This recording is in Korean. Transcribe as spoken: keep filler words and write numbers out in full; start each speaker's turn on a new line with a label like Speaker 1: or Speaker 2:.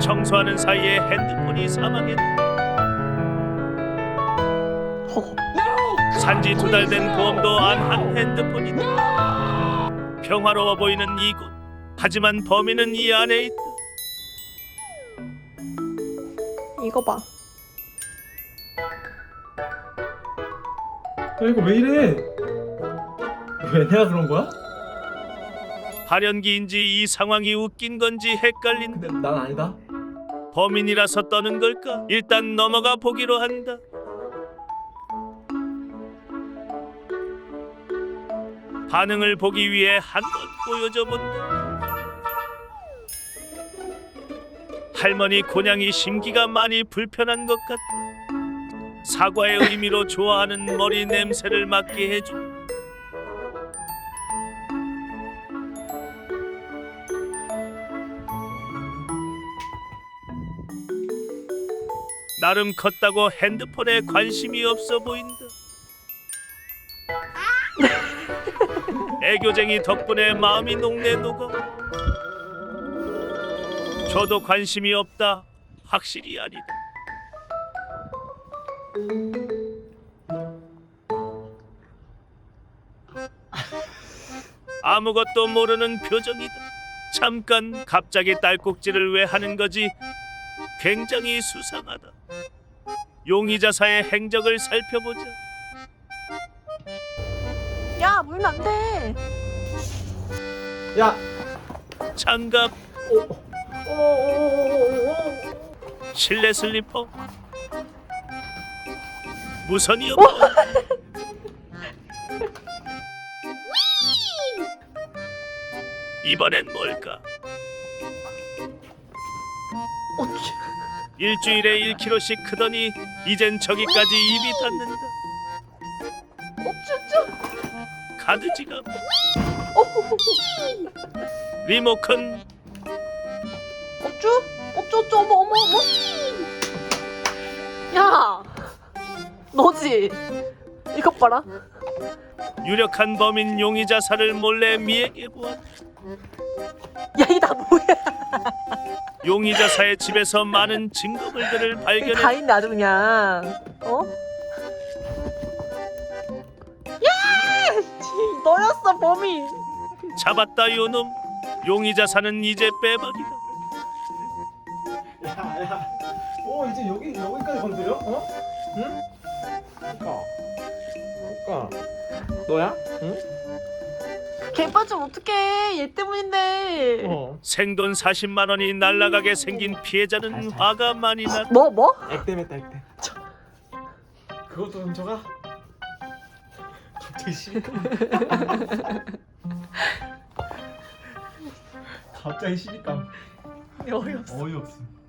Speaker 1: 청소하는 사이에 핸드폰이 사망했다. 산지 두 달 된 보험도 안 한 핸드폰이다. 평화로워 보이는 이곳. 하지만 범인은 이 안에 있다.
Speaker 2: 이거 봐.
Speaker 3: 야 이거 왜 이래? 왜 내가 그런 거야?
Speaker 1: 발연기인지 이 상황이 웃긴 건지 헷갈린다.
Speaker 3: 근데 난 아니다.
Speaker 1: 범인이라서 떠는 걸까? 일단 넘어가 보기로 한다. 반응을 보기 위해 한 번 보여줘 본다. 할머니 곤양이 심기가 많이 불편한 것 같다. 사과의 의미로 좋아하는 머리 냄새를 맡게 해준. 나름 컸다고 핸드폰에 관심이 없어 보인다. 애교쟁이 덕분에 마음이 녹네 녹아. 저도 관심이 없다. 확실히 아니다. 아무것도 모르는 표정이다. 잠깐 갑자기 딸꾹질을 왜 하는 거지? 굉장히 수상하다. 용의자사의 행적을 살펴보자.
Speaker 2: 야, 물면 안 돼.
Speaker 3: 야.
Speaker 1: 장갑,
Speaker 3: 오. 오오오오오.
Speaker 1: 실내 슬리퍼, 무선이 없다. 이번엔 뭘까? 일주일에 일 킬로그램씩 크더니 이젠 저기까지 입이 닿는다.
Speaker 2: 어쭈쭈.
Speaker 1: 카드 지갑, 리모컨,
Speaker 2: 어쭈? 어쭈쭈. 어머 어머 어머. 야, 너지? 이것 봐라.
Speaker 1: 유력한 범인 용의자사를 몰래 미행해 보았다.
Speaker 2: 야, 이 다 뭐야?
Speaker 1: 용의자사의 집에서 많은 증거물들을
Speaker 2: 여기 다
Speaker 1: 발견했다.
Speaker 2: 있네 아주 그냥. 어? 야! 씨, 너였어 범인.
Speaker 1: 잡았다 요놈. 용의자사는 이제 빼박이다.
Speaker 3: 야야. 어 이제 여기 여기까지 건드려? 어? 응? 그러니까. 그러니까. 너야? 응?
Speaker 2: 걔 빠지면 어떡해. 얘 때문인데.
Speaker 3: 어.
Speaker 1: 생돈 사십만 원이 날아가게 생긴 피해자는 화가 많이 났다.
Speaker 2: 뭐 뭐?
Speaker 3: 액땜했다 액땜. 그것도 훔쳐가? 갑자기 시비감. 갑자기 시비감.
Speaker 2: 어이없어.
Speaker 3: 어이없음.